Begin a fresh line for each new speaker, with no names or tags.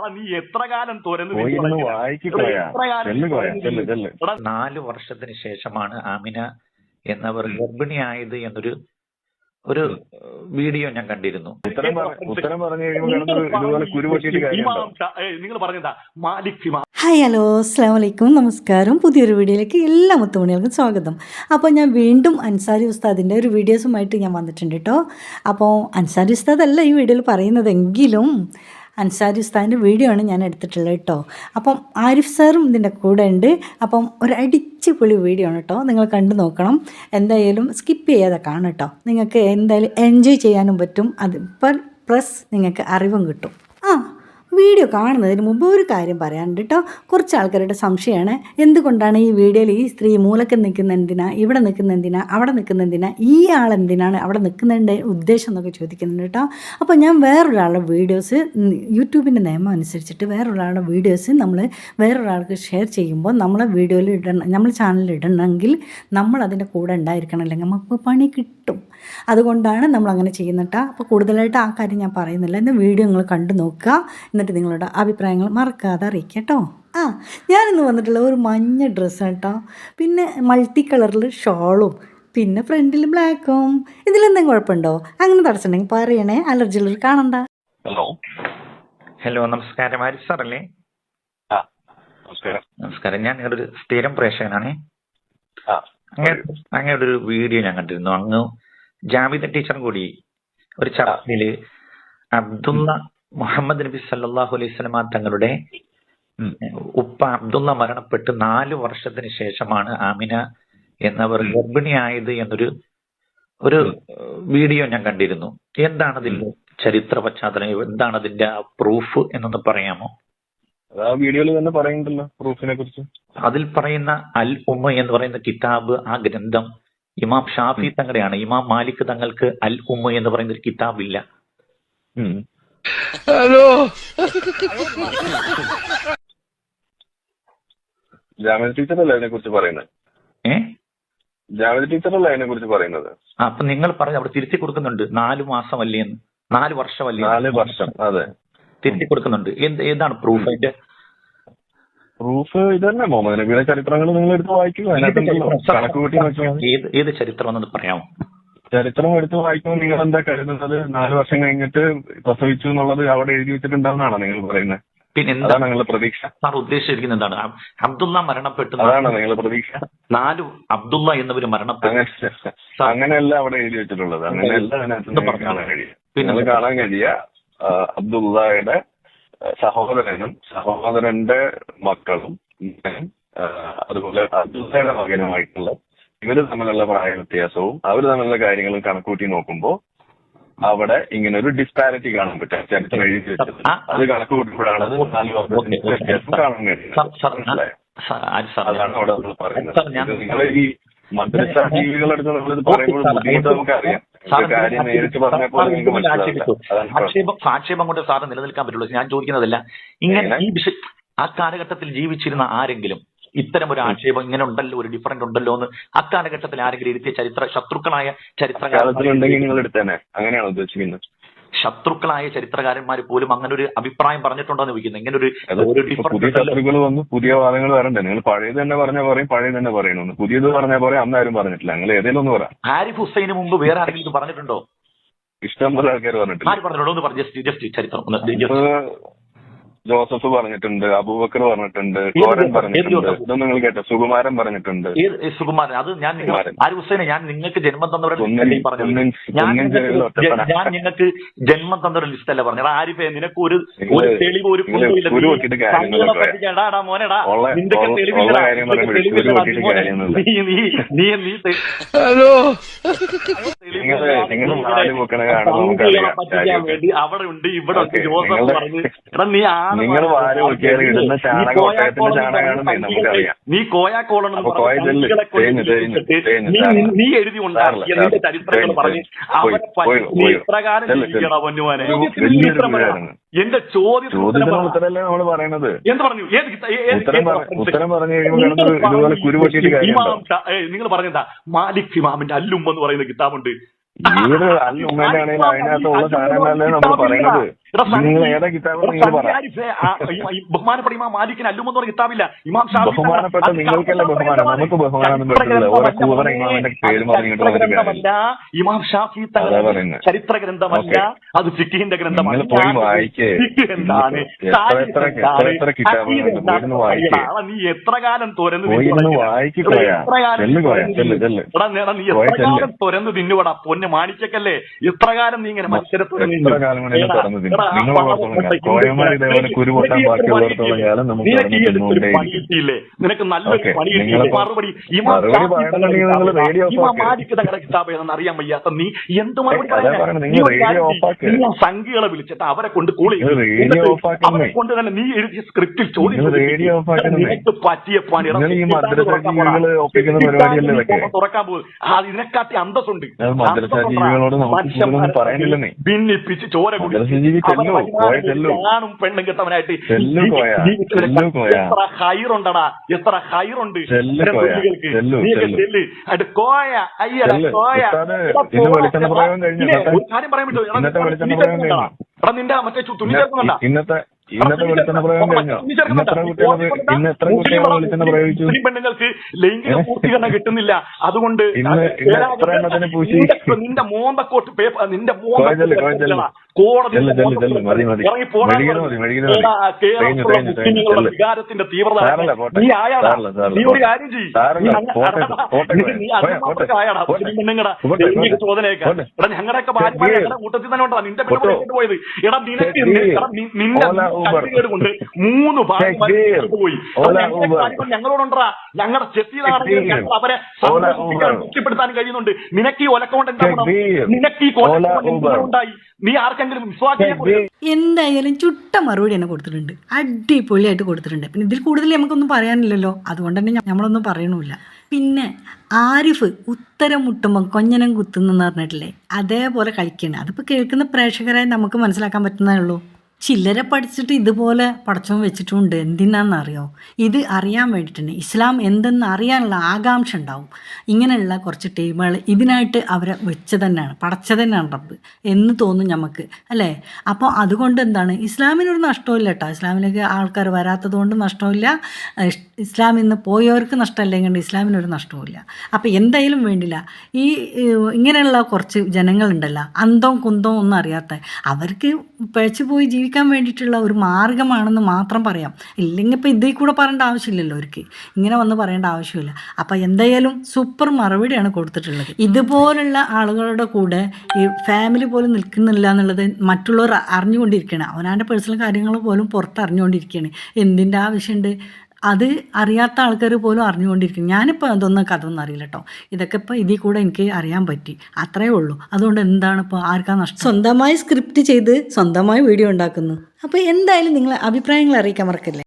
നീ എത്ര കാലം തുറന്ന്
4 വർഷത്തിന് ശേഷമാണ് ആമിന എന്നവർ ഗർഭിണിയായത് എന്നൊരു വീഡിയോ ഞാൻ കണ്ടിരുന്നു.
നിങ്ങൾ പറഞ്ഞതാ മാലിക്.
ഹായ്, ഹലോ, അസ്സാം വലൈക്കും, നമസ്കാരം. പുതിയൊരു വീഡിയോയിലേക്ക് എല്ലാ മുത്തുമണികൾക്കും സ്വാഗതം. അപ്പോൾ ഞാൻ വീണ്ടും അൻസാരി ഉസ്താദിൻ്റെ ഒരു വീഡിയോസുമായിട്ട് ഞാൻ വന്നിട്ടുണ്ട് കേട്ടോ. അപ്പോൾ അൻസാരി ഉസ്താദ് അല്ല ഈ വീഡിയോയിൽ പറയുന്നതെങ്കിലും അൻസാരി ഉസ്താദിൻ്റെ വീഡിയോ ആണ് ഞാൻ എടുത്തിട്ടുള്ളത് കേട്ടോ. അപ്പം ആരിഫ് സാറും ഇതിൻ്റെ കൂടെ ഉണ്ട്. അപ്പം ഒരു അടിച്ചുപൊളി വീഡിയോ ആണ് കേട്ടോ, നിങ്ങൾ കണ്ടു നോക്കണം. എന്തായാലും സ്കിപ്പ് ചെയ്യാതെ കാണും കേട്ടോ. നിങ്ങൾക്ക് എന്തായാലും എൻജോയ് ചെയ്യാനും പറ്റും, അത് പ്ലസ് നിങ്ങൾക്ക് അറിവും കിട്ടും. വീഡിയോ കാണുന്നതിന് മുമ്പ് ഒരു കാര്യം പറയാനുണ്ട് കേട്ടോ. കുറച്ച് ആൾക്കാരുടെ സംശയമാണ്, എന്തുകൊണ്ടാണ് ഈ വീഡിയോയിൽ ഈ സ്ത്രീ മൂലക്ക് നിൽക്കുന്ന എന്തിനാ, ഇവിടെ നിൽക്കുന്ന എന്തിനാ, അവിടെ നിൽക്കുന്ന എന്തിനാ, ഈ ആളെന്തിനാണ് അവിടെ നിൽക്കുന്നതിൻ്റെ ഉദ്ദേശം എന്നൊക്കെ ചോദിക്കുന്നുണ്ട് കേട്ടോ. അപ്പോൾ ഞാൻ വേറൊരാളുടെ വീഡിയോസ് യൂട്യൂബിൻ്റെ നിയമം അനുസരിച്ചിട്ട് വേറൊരാളുടെ വീഡിയോസ് നമ്മൾ വേറൊരാൾക്ക് ഷെയർ ചെയ്യുമ്പോൾ നമ്മളെ വീഡിയോയിൽ ഇടണം, നമ്മൾ ചാനലിൽ ഇടണമെങ്കിൽ നമ്മൾ അതിൻ്റെ കൂടെ ഉണ്ടായിരിക്കണം, അല്ലെങ്കിൽ നമുക്ക് പണി കിട്ടും. അതുകൊണ്ടാണ് നമ്മളങ്ങനെ ചെയ്യുന്നത് കേട്ടോ. അപ്പോൾ കൂടുതലായിട്ട് ആ കാര്യം ഞാൻ പറയുന്നില്ല. ഇന്ന് വീഡിയോ നിങ്ങൾ കണ്ടു നോക്കുക, എന്നിട്ട് നിങ്ങളുടെ അഭിപ്രായങ്ങൾ മറക്കാതെ അറിയിക്കുക കേട്ടോ. ഞാനിന്ന് വന്നിട്ടുള്ള ഒരു മഞ്ഞ ഡ്രസ്സാണ് കേട്ടോ, പിന്നെ മൾട്ടി കളറിൽ ഷോളും, പിന്നെ ഫ്രണ്ടിൽ ബ്ലാക്കും. ഇതിലെന്തെങ്കിലും കുഴപ്പമുണ്ടോ? അങ്ങനെ തടസ്സമുണ്ടെങ്കിൽ പറയണേ, അലർജി ഉള്ളവർ കാണണ്ട.
ഹലോ, നമസ്കാരം. ആരിഫ് സാർ അല്ലേ? നമസ്കാരം. ഞാൻ നിങ്ങളുടെ ഒരു സ്ഥിരം പ്രേക്ഷകനാണേ. അങ്ങയുടെ ഒരു വീഡിയോ ഞാൻ കണ്ടിരുന്നു. അങ്ങ് ജാമിദ ടീച്ചർ കൂടി ഒരു ചർച്ചയില് അബ്ദുള്ള മുഹമ്മദ് നബി സല്ലല്ലാഹു അലൈഹി വസല്ലമ തങ്ങളുടെ ഉപ്പ അബ്ദുള്ള മരണപ്പെട്ട് 4 വർഷത്തിന് ശേഷമാണ് ആമിന എന്നവർ ഗർഭിണിയായത് എന്നൊരു വീഡിയോ ഞാൻ കണ്ടിരുന്നു. എന്താണ് അതിന്റെ ചരിത്ര പശ്ചാത്തലം, എന്താണ് അതിന്റെ പ്രൂഫ് എന്നൊന്ന് പറയാമോ?
വീഡിയോയിൽ തന്നെ പറയുന്നുണ്ടല്ലോ പ്രൂഫിനെ കുറിച്ച്.
അതിൽ പറയുന്ന അൽ ഉമ്മ എന്ന് പറയുന്ന കിതാബ്, ആ ഗ്രന്ഥം ഇമാം ഷാഫി തങ്ങളുടെയാണ്. ഇമാം മാലിക് തങ്ങൾക്ക് അൽ ഉമ്മ എന്ന് പറയുന്ന ഒരു കിതാബ് ഇല്ല.
ഹലോ, ജാമിദ ടീച്ചറല്ലേ അതിനെ കുറിച്ച് പറയുന്നത്? ജാമിദ ടീച്ചറല്ലേ അതിനെ കുറിച്ച് പറയുന്നത്?
അപ്പൊ നിങ്ങൾ പറഞ്ഞു അവിടെ തിരുത്തി കൊടുക്കുന്നുണ്ട് 4 മാസമല്ലേ എന്ന്, 4 വർഷമല്ലേ?
4 വർഷം, അതെ, തിരുത്തി
കൊടുക്കുന്നുണ്ട്. ഏതാണ് പ്രൂഫ്? അതിന്റെ
പ്രൂഫ് ഇത് തന്നെ. മുഹമ്മദ് നബിയുടെ ചരിത്രങ്ങൾ നിങ്ങൾ എടുത്ത് വായിക്കുക, കണക്ക് കൂട്ടി നോക്കിയാൽ.
ഏത് ചരിത്രം എന്ന് പറയാമോ?
ചരിത്രം എടുത്ത് വായിക്കുമ്പോൾ നിങ്ങൾ എന്താ കരുതുന്നത്? 4 വർഷം കഴിഞ്ഞിട്ട് പ്രസവിച്ചു എന്നുള്ളത് അവിടെ എഴുതി വെച്ചിട്ടുണ്ടാവുന്നതാണോ നിങ്ങൾ പറയുന്നത്?
പിന്നെ
എന്താണ് നിങ്ങളുടെ പ്രതീക്ഷ?
സാർ ഉദ്ദേശിച്ചിരിക്കുന്നത് എന്താണ്? അബ്ദുള്ള മരണപ്പെട്ടു,
അതാണോ നിങ്ങളുടെ പ്രതീക്ഷ?
4 അബ്ദുള്ള എന്നവര് മരണപ്പെട്ടു.
അങ്ങനെയല്ല അവിടെ എഴുതി വെച്ചിട്ടുള്ളത്, അങ്ങനെയല്ല അതിനകത്ത് കാണാൻ കഴിയുക. നിങ്ങൾ കാണാൻ കഴിയുക അബ്ദുള്ളയുടെ സഹോദരനും സഹോദരന്റെ മക്കളും അതുപോലെ അബ്ദുള്ളയുടെ മകനുമായിട്ടുള്ള ഇവര് തമ്മിലുള്ള പ്രായ വ്യത്യാസവും അവർ തമ്മിലുള്ള കാര്യങ്ങളും കണക്കൂട്ടി നോക്കുമ്പോൾ അവിടെ ഇങ്ങനെ ഒരു ഡിസ്പാരിറ്റി കാണാൻ പറ്റും. ചരിത്രം എഴുതി വെച്ചത് അത് കണക്ക് കൂട്ടിയപ്പോഴാണ് 4 വർഷത്തിന്റെ വ്യത്യാസം കാണാൻ കഴിയുന്നത്. അതാണ് അവിടെ നമ്മൾ പറയുന്നത്. നിങ്ങൾ ഈ മദ്രസ ജീവികളെടുത്ത് നമ്മളിത് പറയുമ്പോൾ ബുദ്ധിമുട്ട് നമുക്കറിയാം. കാര്യം നേരിട്ട് പറഞ്ഞപ്പോൾ നിങ്ങൾക്ക് മനസ്സിലാവില്ല.
ആക്ഷേപം കൊണ്ട് സാറ് നിലനിൽക്കാൻ പറ്റുള്ളൂ. ഞാൻ ചോദിക്കുന്നതല്ല, ഇങ്ങനെ ഈ ആ കാലഘട്ടത്തിൽ ജീവിച്ചിരുന്ന ആരെങ്കിലും ഇത്തരം ഒരു ആക്ഷേപം ഇങ്ങനെ ഉണ്ടല്ലോ, ഒരു ഡിഫറൻറ്റ് ഉണ്ടല്ലോ എന്ന് അക്കാലഘട്ടത്തിൽ ആരെങ്കിലും ഇരുത്തിയ ശത്രുക്കളായ
ചരിത്രകാരന്മാരുണ്ടെങ്കിൽ നിങ്ങൾ എടുത്തേനെ, അങ്ങനെയാണ് ഉദ്ദേശിക്കുന്നത്.
ശത്രുക്കളായ ചരിത്രകാരന്മാർ പോലും അങ്ങനെ ഒരു അഭിപ്രായം പറഞ്ഞിട്ടുണ്ടോന്ന് ചോദിക്കുന്നത്. ഇങ്ങനെ ഒരു
പുതിയ ശത്രുക്കൾ വന്നു, പുതിയ വാദങ്ങൾ വരണ്ടേ? നിങ്ങൾ പഴയത് തന്നെ പറഞ്ഞാൽ പറയും, പഴയത് തന്നെ പറയണമെന്ന്. പുതിയത് പറഞ്ഞാൽ പറയാം, അന്ന് ആരും പറഞ്ഞിട്ടില്ല. നിങ്ങൾ ഏതെങ്കിലും ഒന്ന് പറയാം.
ആരിഫ് ഹുസൈന് മുമ്പ് വേറെ ആരെങ്കിലും പറഞ്ഞിട്ടുണ്ടോ?
ഇഷ്ടം പോലെ ആൾക്കാർ പറഞ്ഞിട്ടില്ല.
ആര് പറഞ്ഞിട്ടുണ്ടോ ഒന്ന് പറഞ്ഞു, ജസ്റ്റ് ചരിത്രം.
ജോസഫ് പറഞ്ഞിട്ടുണ്ട്, അബൂബക്കർ പറഞ്ഞിട്ടുണ്ട്, കോരൻ പറഞ്ഞിട്ടുണ്ട്. ഇതൊന്നും നിങ്ങൾ കേട്ടോ? സുകുമാരൻ പറഞ്ഞിട്ടുണ്ട്.
സുകുമാരൻ, അത് ഞാൻ ആരിഫ് ഹുസൈനെ ഞാൻ നിങ്ങൾക്ക് ജന്മം തന്നവരുടെ ഞാൻ നിങ്ങൾക്ക് ജന്മം തന്നവരുടെ ലിസ്റ്റ് അല്ല പറഞ്ഞത്. ആരിഫെ, നിനക്ക് ഒരു തെളിവ്, ഒരു മോനെടാ, നിന്റെ അവിടെ ഉണ്ട്, ഇവിടെ ഉണ്ട്. ജോസഫ് പറഞ്ഞു, എടാ നീ
നിങ്ങൾ വാരി നോക്കിയാൽ ഇടുന്ന ചാണകം ഒട്ടകത്തിന്റെ ചാണകമാണെന്ന് നമുക്കറിയാം.
നീ കോയാക്കോളണം നീ എഴുതി ഉണ്ടാക്കിയ നിന്റെ ചരിത്രങ്ങൾ പറഞ്ഞ് ഇപ്രകാരം പൊന്നുവാനെ. എന്റെ
ചോദ്യത്തിനല്ലേ നമ്മൾ പറയണത്.
എന്ത് പറഞ്ഞു?
ഉത്തരം പറഞ്ഞു കഴിയുമ്പോൾ ഇതുപോലെ കുരുപൊട്ടിയിട്ട്
നിങ്ങൾ പറഞ്ഞെന്താ? മാലിക് ഇമാമിന്റെ അല്ലുമ്മ എന്ന് പറയുന്ന കിതാബുണ്ട്.
ഏത് അല്ലുമ്മന്റെ ആണെങ്കിലും അതിനകത്തുള്ള സാധനങ്ങളല്ലേ നമ്മൾ പറയുന്നത്. നിങ്ങൾ ഏതാ കിതാബ് നിങ്ങൾ പറ.
ബഹുമാനപ്പെട്ട ഇമാം മാലിക്കിന് അല്ലുമെന്ന് പറഞ്ഞ കിതാബില്ല. ഇമാം ഷാഫി
ബഹുമാനപ്പെട്ട നിങ്ങൾക്കല്ല ബഹുമാനം, നമുക്ക് ബഹുമാനമൊന്നും പറ്റില്ല. ഓരോ കൂവറ ഇമാമിന്റെ പേര് പറഞ്ഞിട്ട്
ഇമാം ഷാഫി ചരിത്ര ഗ്രന്ഥമല്ല, അത് ഫിഖിന്റെ ഗ്രന്ഥമല്ല.
പോയി വായിക്കേ.
എന്താണ്
എത്ര കിതാബ് വായിക്കേ.
നീ എത്ര കാലം തുറന്ന് തുറന്ന് തിന്നുപടാ പൊന്ന് മാണിക്കല്ലേ. എത്ര കാലം നീ ഇങ്ങനെ മത്സരത്തോടെ പണിയിട്ടില്ലേ? നിനക്ക് നല്ലൊരു പണി കിട്ടിയില്ലേ? മറുപടി മാലിക്ക് തങ്ങളുടെ കിതാബ് ഏതെന്ന് അറിയാൻ വയ്യാത്ത നീ എന്ത് മറുപടി പറയാ? സംഖ്യകളെ വിളിച്ചിട്ട് അവരെ കൊണ്ട് അവരെ കൊണ്ട് തന്നെ നീ എഴുതിയ സ്ക്രിപ്റ്റിൽ ചോദ്യം നിനക്ക് പറ്റിയ പണി തുറക്കാൻ പോകും. ഇതിനെക്കാട്ടി അന്തസ്സുണ്ട്. ഭിന്നിപ്പിച്ച് ചോര ഞാനും പെണ്ണും കെട്ടവനായിട്ട് എത്ര ഹൈറുണ്ടടാ, എത്ര ഹൈറുണ്ട്. കോയ അയ്യട കോയ ഒരു കാര്യം പറയാൻ പറ്റുമോ? എടാ നിന്റെ മറ്റേ തുണി ചേർക്കുന്നുണ്ടാ?
ഇന്നത്തെ വെളിച്ചെണ്ണ പ്രയോഗം കഴിഞ്ഞോ? ഇന്ന് എത്ര കുട്ടികളെ വെളിച്ചെണ്ണ പ്രയോഗിച്ചു?
പെണ്ണുങ്ങൾക്ക് ലൈംഗിക പൂർത്തീകരണം കിട്ടുന്നില്ല. അതുകൊണ്ട് നിന്റെ മോന്തക്കോട്ട് നിന്റെ വികാരത്തിന്റെ തീവ്രത നീ ആയാടാ. നീ ഒരു കാര്യം പെണ്ണുങ്ങടെ ലൈംഗിക ചോദനയൊക്കെ എടാ ഞങ്ങളുടെയൊക്കെ ഭാര്യ കൂട്ടത്തിൽ തന്നെ ഉണ്ടാ. നിന്റെ പെണ്ണു പോയത് എടാ നിനക്ക് നിന്റെ കൊണ്ട് 3 പോയി. ഞങ്ങളോടുണ്ടാ. ഞങ്ങളുടെ ചെത്തിയിലാണെങ്കിൽ ഞങ്ങൾ അവരെ തൃപ്തിപ്പെടുത്താൻ കഴിയുന്നുണ്ട്. നിനക്ക് ഈ ഒലക്കൊണ്ട് എന്താ? നിനക്ക് ഈ ഉണ്ടായി? നീ ആർക്കെങ്കിലും വിശ്വാസം?
എന്തായാലും ചുട്ട മറുപടി തന്നെ കൊടുത്തിട്ടുണ്ട്, അടിപൊളിയായിട്ട് കൊടുത്തിട്ടുണ്ട്. പിന്നെ ഇതിൽ കൂടുതൽ നമുക്കൊന്നും പറയാനില്ലല്ലോ, അതുകൊണ്ട് തന്നെ നമ്മളൊന്നും പറയണമില്ല. പിന്നെ ആരിഫ് ഉത്തരം മുട്ടുമ്പോൾ കൊഞ്ഞനം കുത്തുന്നെന്ന് പറഞ്ഞിട്ടില്ലേ, അതേപോലെ കളിക്കണം. അതിപ്പോൾ കേൾക്കുന്ന പ്രേക്ഷകരായി നമുക്ക് മനസ്സിലാക്കാൻ പറ്റുന്നേ ഉള്ളൂ. ചില്ലരെ പഠിച്ചിട്ട് ഇതുപോലെ പടച്ചോൻ വെച്ചിട്ടുണ്ട്. എന്തിനാണെന്നറിയോ? ഇത് അറിയാൻ വേണ്ടിയിട്ടുണ്ട്. ഇസ്ലാം എന്തെന്ന് അറിയാനുള്ള ആകാംക്ഷ ഉണ്ടാവും. ഇങ്ങനെയുള്ള കുറച്ച് ടീമുകൾ ഇതിനായിട്ട് അവരെ വെച്ച് തന്നെയാണ്, പടച്ച തന്നെയാണ് റബ്ബ് എന്ന് തോന്നും നമുക്ക്, അല്ലേ? അപ്പോൾ അതുകൊണ്ട് എന്താണ്, ഇസ്ലാമിനൊരു നഷ്ടമില്ല കേട്ടോ. ഇസ്ലാമിലേക്ക് ആൾക്കാർ വരാത്തത് കൊണ്ട് നഷ്ടമില്ല, ഇസ്ലാമിൽ നിന്ന് പോയവർക്ക് നഷ്ടമല്ലെങ്കിൽ ഇസ്ലാമിനൊരു നഷ്ടവുമില്ല. അപ്പോൾ എന്തായാലും വേണ്ടില്ല, ഈ ഇങ്ങനെയുള്ള കുറച്ച് ജനങ്ങളുണ്ടല്ലോ, അന്തവും കുന്തവും ഒന്നും അറിയാത്ത, അവർക്ക് പിഴച്ചു പോയി ജീവിക്കാൻ വേണ്ടിയിട്ടുള്ള ഒരു മാർഗ്ഗമാണെന്ന് മാത്രം പറയാം. ഇല്ലെങ്കിൽ ഇപ്പോൾ ഇതിൽ കൂടെ പറയേണ്ട ആവശ്യമില്ലല്ലോ, അവർക്ക് ഇങ്ങനെ വന്ന് പറയേണ്ട ആവശ്യമില്ല. അപ്പോൾ എന്തായാലും സൂപ്പർ മറുപടിയാണ് കൊടുത്തിട്ടുള്ളത്. ഇതുപോലുള്ള ആളുകളുടെ കൂടെ ഈ ഫാമിലി പോലും നിൽക്കുന്നില്ല എന്നുള്ളത് മറ്റുള്ളവർ അറിഞ്ഞുകൊണ്ടിരിക്കുകയാണ്. അവനാൻ്റെ പേഴ്സണൽ കാര്യങ്ങൾ പോലും പുറത്ത് അറിഞ്ഞുകൊണ്ടിരിക്കുകയാണ്. എന്തിൻ്റെ ആവശ്യമുണ്ട്? അത് അറിയാത്ത ആൾക്കാർ പോലും അറിഞ്ഞുകൊണ്ടിരിക്കും. ഞാനിപ്പോൾ അതൊന്നും കഥയൊന്നും അറിയില്ല കേട്ടോ. ഇതൊക്കെ ഇപ്പോൾ ഇതിൽ കൂടെ എനിക്ക് അറിയാൻ പറ്റി, അത്രയേ ഉള്ളൂ. അതുകൊണ്ട് എന്താണ് ഇപ്പോൾ ആർക്കാ നഷ്ടം? സ്വന്തമായി സ്ക്രിപ്റ്റ് ചെയ്ത് സ്വന്തമായി വീഡിയോ ഉണ്ടാക്കുന്നു. അപ്പോൾ എന്തായാലും നിങ്ങളെ അഭിപ്രായങ്ങൾ അറിയിക്കാൻ മറക്കില്ലേ.